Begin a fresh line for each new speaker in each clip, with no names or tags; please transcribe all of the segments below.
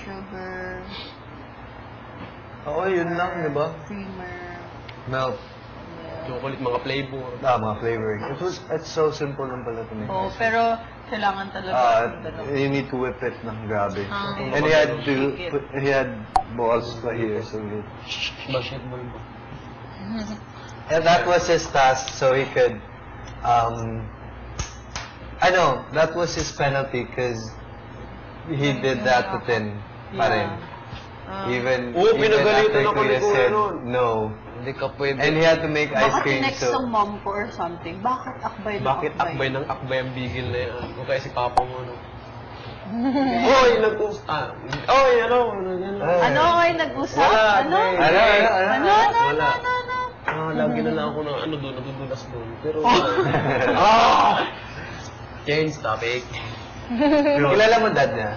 sugar.
Oo, yun lang, di ba?
Creamer.
Milk.
Chocolate, mga flavor.
Mga flavoring. It's so simple lang pala to make.
Oh, pero kailangan talaga.
You need to whip it ng grabe. And he had balls pa here, so good.
Basketball ba?
And that was his task, so he could, that was his penalty because he did that to Tin pa rin. Even
pinagalitan ako ni Kuya
said
nun.
no.
Hindi ka pwede.
And he had to make ice
Baka
cream,
next ng mom ko or something. Bakit akbay ng
Bakit akbay ng akbay ang bigil na yan? O kaya si Papa mo, ano? Oy, nag-usap. Oy, ano?
Ano kayo nag-usap? Ano?
Lagi na lang ako ng ano doon, natudulas doon. Pero, change topic.
Kilala mo dad niya?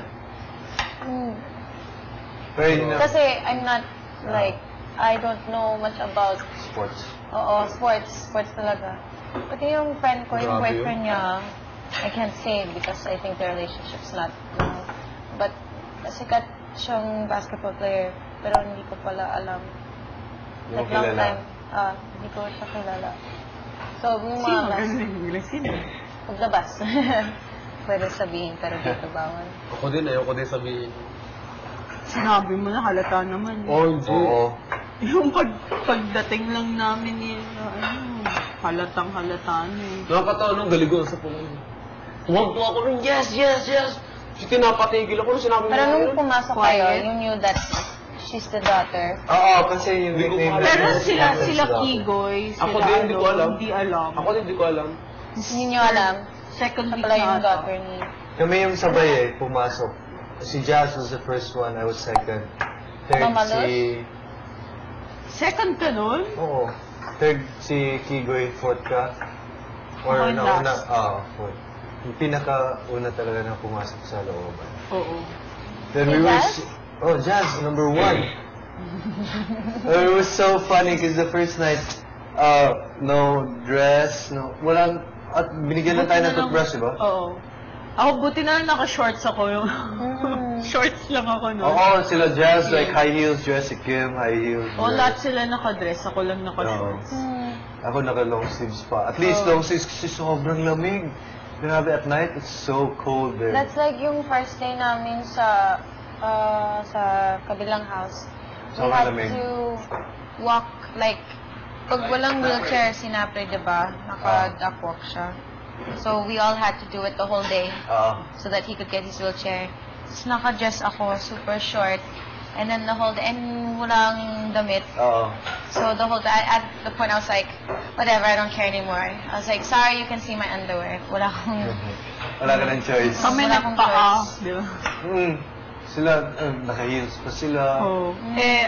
Kasi I'm not like, I don't know much about
sports.
Oo, sports talaga. Pati yung friend ko, yung boyfriend niya, I can't say because I think the relationship's not, but sikat siyang basketball player, pero hindi ko pala alam. Like long time, hindi ko siya kilala. So, yung mga
Sino?
paglabas. Pwede sabihin, pero dito bawal.
Ako din, ayoko din sabihin.
Sinabi mo na, halata naman.
Oo.
Yung pagdating lang namin ni, halatang-halata na eh.
Nakakatawa nung galigon sa puno. Tumagpo ako rin, yes! Kasi tinapatigil ako nung sinabi mo.
Pero nung pumasok kayo, you knew that she's the daughter.
Oo, kasi yung nickname.
Pero sila Kigoy,
Ako din, hindi ko alam.
Hindi alam.
Ako din, hindi ko alam.
Hindi niyo alam.
Second week
Pala yung
na
daughter ni...
Kami yung sabay pumasok. Si Jazz was the first one, I was second. Third
Mamalos?
Second ka nun?
Oo. Third si Kigoy, fourth ka. Or
Ako yung
nauna,
last.
fourth. Yung pinaka-una talaga na pumasok sa looban.
Oo.
Then
Si
we were...
Jazz?
Jazz, number one. It was so funny because the first night, no dress, no... Walang... At binigyan na tayo ng toothbrush, diba?
Oo. Ako, buti na lang naka-shorts ako yung... Shorts lang ako nun.
Oo, sila Jazz, like high heels, dress, si Kim, high heels.
Oo, lahat sila naka-dress. Ako lang naka-shorts.
Ako naka-long sleeves pa. At least long sleeves kasi sobrang lamig. Grabe, at night, it's so cold there.
That's like yung first day namin sa kabilang house. We
Sobrang
had
lamig.
to walk like, pag walang wheelchair, sinapre, diba? Naka-duck walk siya. So we all had to do it the whole day so that he could get his wheelchair. Tapos naka-dress ako, super short. And then the whole day, and walang damit. So the whole day, at the point I was like, whatever, I don't care anymore. I was like, sorry, you can see my underwear. Wala akong...
Wala ka ng choice.
Kami
Wala akong
nagpaa.
choice.
Di ba?
Sila, naka-heels pa sila.
Oo.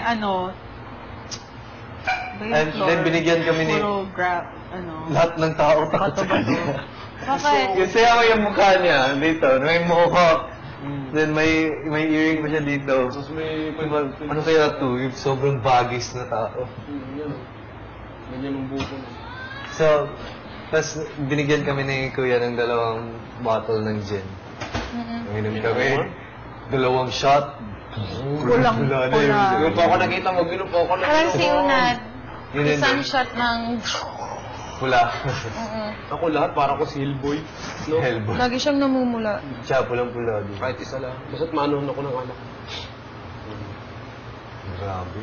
And then binigyan kami ni...
Puro
Lahat ng tao takot sa kanya.
Bakit?
Kasi ako yung mukha niya dito, may mohawk. Then may earring pa siya dito.
Tapos may...
Ano kaya to? Yung sobrang bagis na tao.
Ganyan ang buko na.
So, tapos binigyan kami ni Kuya ng 2 bottle ng gin. Uminom kami. 2 shot.
Kulang.
Yung po ako nakita mo, ginupo ako na.
Parang si Unad.
Yun din.
Isang shot ng...
Pula.
Ako lahat, parang ko si Hillboy. No?
Hellboy.
Lagi siyang namumula.
Siya, pulang-pula.
Kahit isa lang. Basta't maanuhan ako ng anak.
Grabe.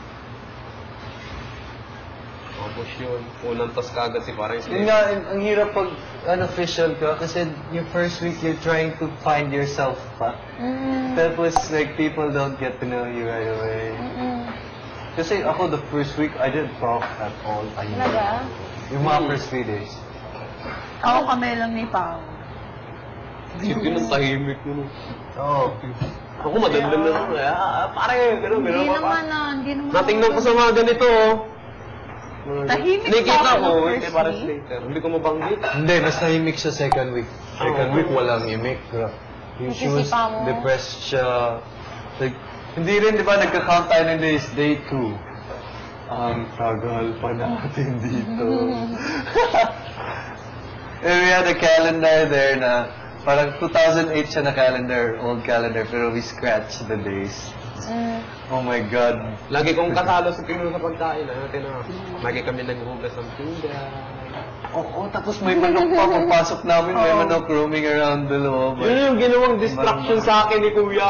Tapos yun, unang tas kagad si parang
Yun nga, ang hirap pag unofficial ka kasi yung first week you're trying to find yourself pa. Tapos like people don't get to know you right away. Kasi ako the first week I didn't talk at all.
Talaga?
Yung mga first 3 days.
Ako kami lang ni Pao.
Yun ng tahimik yun.
Oo.
Ako madaldal na ako. Pare, gano'n.
Hindi naman.
Natingnan ko sa mga ganito, oh.
Tahimik
Nakikita
pa ako
ko,
ng
hindi
first
para
week.
later. Hindi ko mabanggit.
Hindi, mas nahimik siya second week. Second week walang imik. She was
Nagsisipa mo.
depressed siya. Like, hindi rin, di ba, nagka-count tayo ng days, day 2. Ang tagal pa natin dito. And we had a calendar there na Parang 2008 siya na calendar, old calendar, pero we scratched the days. Oh my God.
Lagi kong kasalo sa pinuno sa pagkain. Lagi kami naghugas ng pinggan.
Oo, tapos may manok pa. Pagpasok namin, may manok roaming around the loob.
Yun yung ginawang distraction sa akin ni Kuya.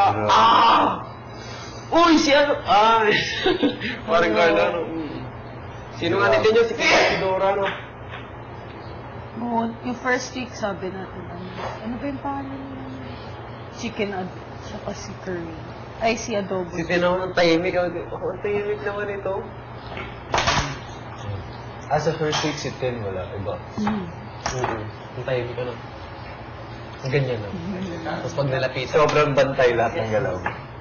Uy, si ano? Parang Carlo. Sino nga nito nyo? Si Kuya Sidora, no?
Oo, yung first week sabi natin, ano ba yung pangalan niya? Chicken saka si curry. Ay, si adobo.
Si Tino, ang tahimik. Ang tahimik naman ito.
Sa first week, si Tin, wala. Iba.
Ang tahimik ka na. Ang ganyan na. Tapos pag nalapitan.
Sobrang bantay lahat ng galaw.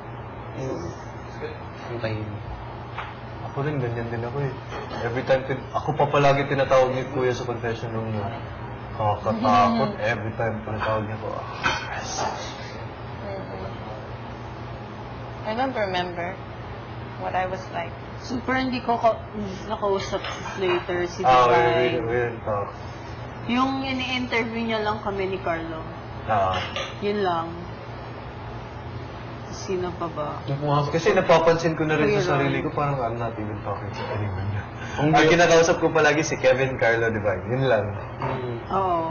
Ang tahimik.
Ako rin, ganyan din ako eh. Every time, ako pa palagi tinatawag ni Kuya sa confession room na kakatakot. Every time tinatawag niya ko,
I don't remember what I was like.
Super hindi ko nakausap si Slater, si
we
Divine.
didn't talk.
Yung ini-interview niya lang kami ni Carlo. Yun lang. Sino pa ba?
Kasi napapansin ko na rin sa sarili ko, parang I'm not even talking to anyone. Ang kinakausap ko palagi si Kevin Carlo Divine. Yun lang.
Oo.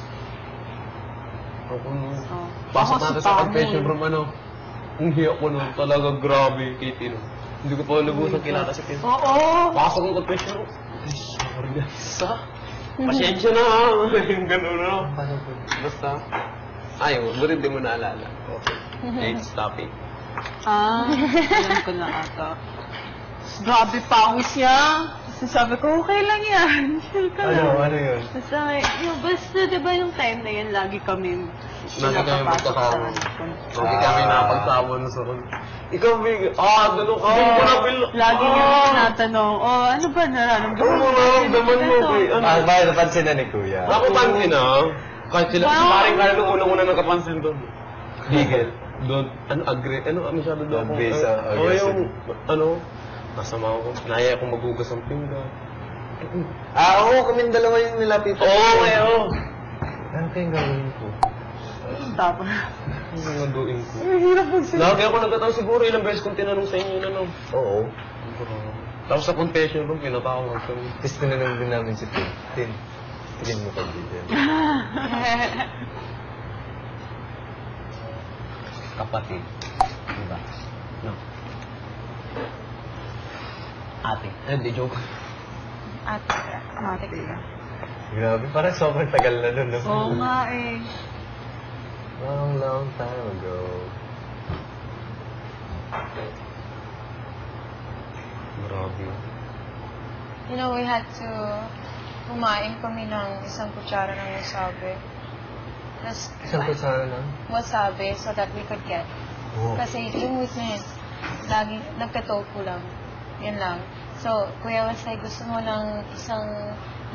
Pasok natin sa confession room, ang hiyak ko nun, talaga grabe, Kitty. Hindi ko pa lubusang kilala si Kitty.
Oo.
Pasok ng confession room. Sorry guys. Pasensya na ha. Yung gano'n na. Basta. Ayaw, burin di mo naalala. Okay. Next topic.
Alam ko na ata. Grabe pawis niya. Sabi ko, okay lang yan. Chill ka lang.
Ano yun?
Basta diba yung time na yan, lagi kami
Lagi kami magkakawa. Lagi kami napagsawa na sa kun. Ikaw, Big. Gano'n ka.
Lagi niya tinatanong, ano ba nararamdaman
Ano mo nararamdaman mo, Big?
Bakit napansin na ni Kuya?
Napapansin kahit sila, parang Carlo unang-una nakapansin doon.
Bigel.
Doon, masyado doon
Don't be so aggressive.
yung, masama ako. Naya akong magugas ng pinggan.
Oo, kaming dalawa yung nilapitan.
Oo.
Ano kayong gawin ko?
Tapos,
Ano yung maduin ko? Lagi ako nagkataon siguro, ilang beses kong tinanong sa inyo na
Oo.
Tapos sa confession room, pinatawag kami.
Tapos tinanong din namin si Tin. Tin, tingin mo kang Bigel.
Kapatid. Diba? No. Ate. Hindi, joke.
Ate ka.
Grabe, parang sobrang tagal na nun, no?
oo nga eh.
Long time ago.
Grabe.
You know, we had to kumain kami ng isang kutsara ng wasabi. Tapos,
Isang kutsara na?
wasabi so that we could get. Kasi yung witness, lagi nagka-tofu lang. Yan lang. So, Kuya was like, gusto mo ng isang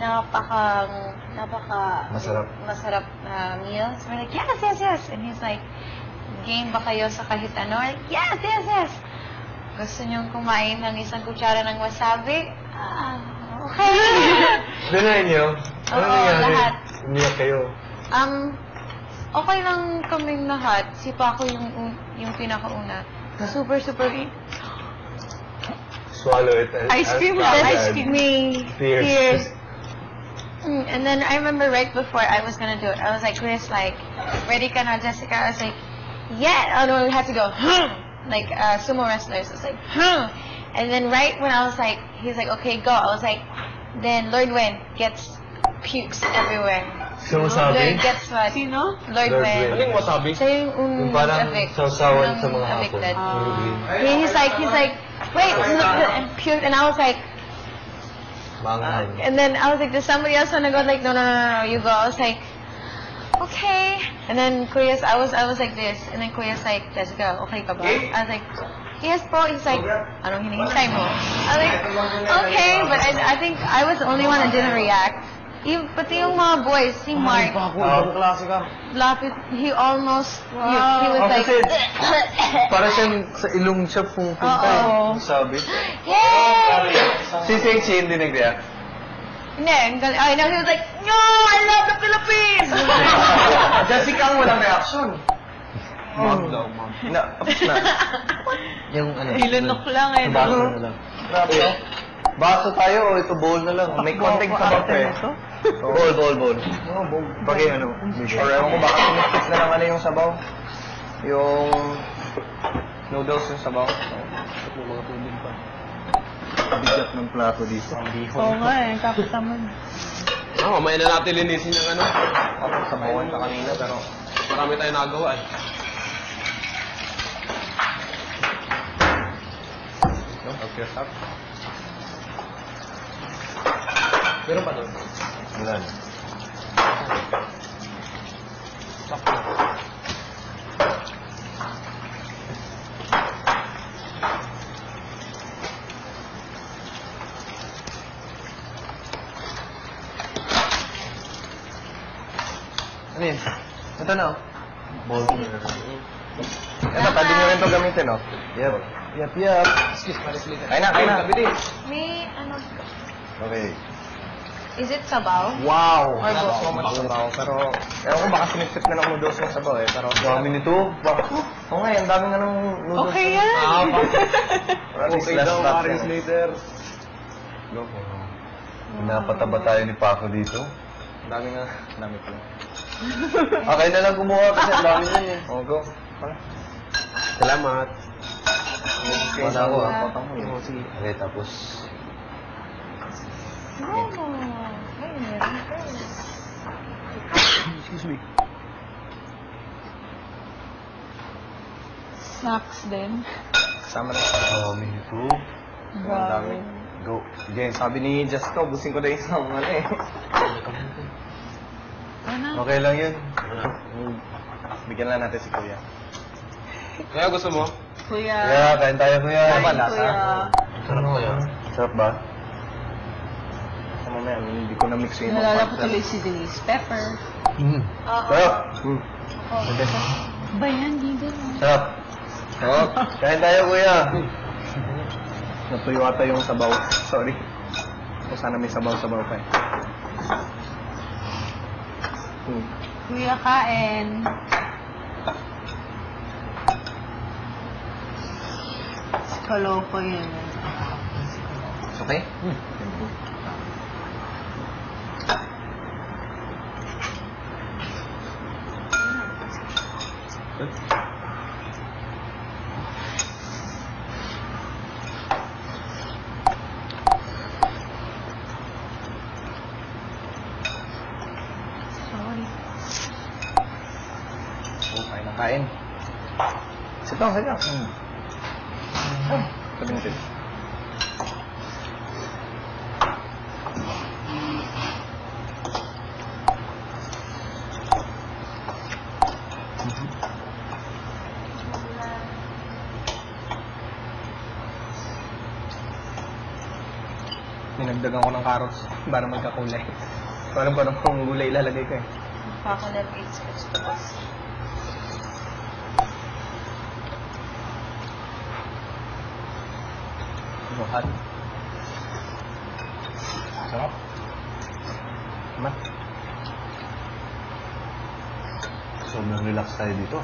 masarap na meal? So we're like, yes. And he's like, game ba kayo sa kahit ano? We're like, yes. Gusto niyong kumain ng isang kutsara ng wasabi? Okay.
Dinayin niyo? Ano
Oo,
nangyari?
lahat.
Umiyak kayo?
Okay lang kaming lahat. Si Paco yung pinakauna. Super
Swallow it.
Ice cream lang. Ice cream.
Tears.
And then I remember right before I was gonna do it, I was like, Chris, like, ready ka na, Jessica? I was like, yeah. Oh no, we had to go, like sumo wrestlers. I was like, and then right when I was like, he's like, okay, go. I was like, then Lord Wen gets pukes everywhere.
So, wasabi?
Lord gets what?
Sino?
Lord
Lord
Wen.
Wen.
Ano yung wasabi?
Siya yung
Yung parang
evict.
sausawan sa mga hapon.
Evicted.
Yung
He's like, wait, and puked, and I was like,
manghang.
and then I was like, does somebody else want to go? Like, no, you go. I was like, okay. And then Kuya's, I was like this, and then Kuya's like, Jessica, okay ka ba? I was like, yes, bro. He's like, anong hinihintay mo? I was like, okay, but I think I was the only one that didn't react. Pati yung mga boys, si Mark,
klase ka.
lapit, he almost, he was like,
Kasi para siyang sa ilong siya pupunta.
Oo.
Sabi.
yay!
Si Sexy hindi nag-react.
Hindi, he was like, no, I love the Philippines!
Jessica ang walang reaction.
Mom daw, mom.
Tapos na.
Yung ano?
Ilunok lang eh.
Baso na lang.
Grabe.
Baso tayo o ito bowl na lang?
May konting sabaw pa eh.
Bowl.
Oo, bagay ano. Or ewan ko baka sinisip na lang ano yung sabaw. Yung noodles yung sabaw.
May mga tubig pa.
Bigat ng plato dito. Ang bihon.
Oo nga eh, kapatamad.
Mamaya na natin linisin yung ano.
Ako sabawan ka kanina pero
Marami tayong nagawa eh.
help yourself.
Meron pa doon?
Wala na.
Sakto.
Ano yun? Ito na oh. Bowl na lang.
Ito, pwede nyo rin ito gamitin, no?
Yep.
Excuse me,
Kain na.
Kabili.
May, ano,
Okay.
is it sabaw?
Wow!
Or
Tapos
bowl?
mo sabaw. Pero, ewan ko baka sinisip na ng noodles yung sabaw eh. Pero,
Dami nito.
Oo nga, ang dami nga ng noodles.
Okay yan.
At least
Okay
last
daw,
stop
Maris
yan.
later.
Go.
Napataba tayo ni Paco dito.
Ang dami nga. Ang dami pala.
Okay na lang gumawa kasi ang dami yun eh.
Oh, go. Pala.
Salamat.
Wala ako ah.
Potong mo yun.
Okay, tapos...
No. Ay, meron pa eh.
Excuse me.
Snacks din.
Kasama na.
Dami nito.
Ang dami.
Go. Again.
Sabi ni Jessica, ubusin ko na isang ano eh.
Ano?
Okay lang yun.
Bigyan lang natin si Kuya.
Kaya gusto mo?
Kuya.
Kuya, kain tayo kuya.
Kain,
Tama, lasa.
kuya.
Sarap kaya.
Sarap ba?
Sa mamaya, hindi ko na-mix yung
Nalala ko tuloy si Denise Pepper.
Sarap.
Ba yan? Di ba?
Sarap. Sarap. Kain tayo kuya.
Natuyo ata yung sabaw. Sorry. O sana may sabaw-sabaw pa eh.
Kuya, kain. Kaloko yun.
Okay?
Sorry.
Kain na kain. Sit down. Sabi natin. Ninagdagan ko ng carrots para magkakulay. Parang kung gulay ilalagay ko eh.
Ako nag-eat vegetables.
Buhat. Sarap. Mat.
Sobrang relax tayo dito.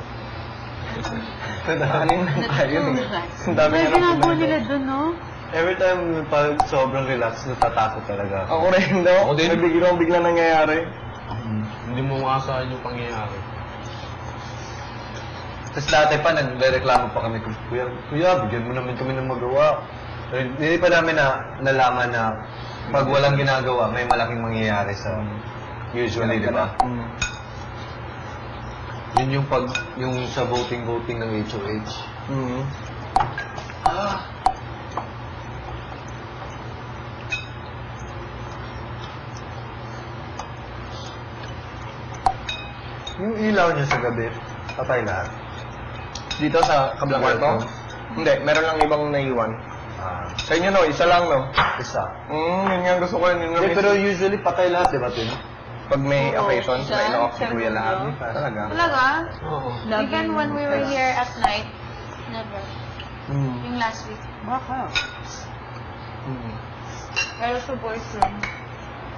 Kanin lang tayo eh. Ang dami
Ay,
nga ng
ginagawa
kumain.
nila dun, no?
Every time pag sobrang relax, natatakot talaga ako.
Ako rin daw.
Ako din.
May biglang nangyayari.
Hindi mo maasahan yung pangyayari.
Tapos dati pa, nagre-reklamo pa kami, Kuya, bigyan mo naman kami ng magawa. Hindi pa namin nalaman na pag walang ginagawa, may malaking mangyayari sa usually, di ba? Yun yung sa voting ng HOH.
Mm.
Yung ilaw niya sa gabi, patay lahat.
Dito sa kabilang kwarto? Hindi, meron lang ibang naiwan. Sa inyo no, isa lang no?
Isa.
Yun nga gusto ko yun.
Hindi, pero usually patay lahat, di ba, Tin?
pag may occasion,
siya,
na-inoff si
siya
Kuya
rin
lahat.
yun.
Talaga.
Talaga?
Oo.
Even when we were here at night, never.
Mm.
Yung last week.
Baka.
Mm.
Pero sa boys room.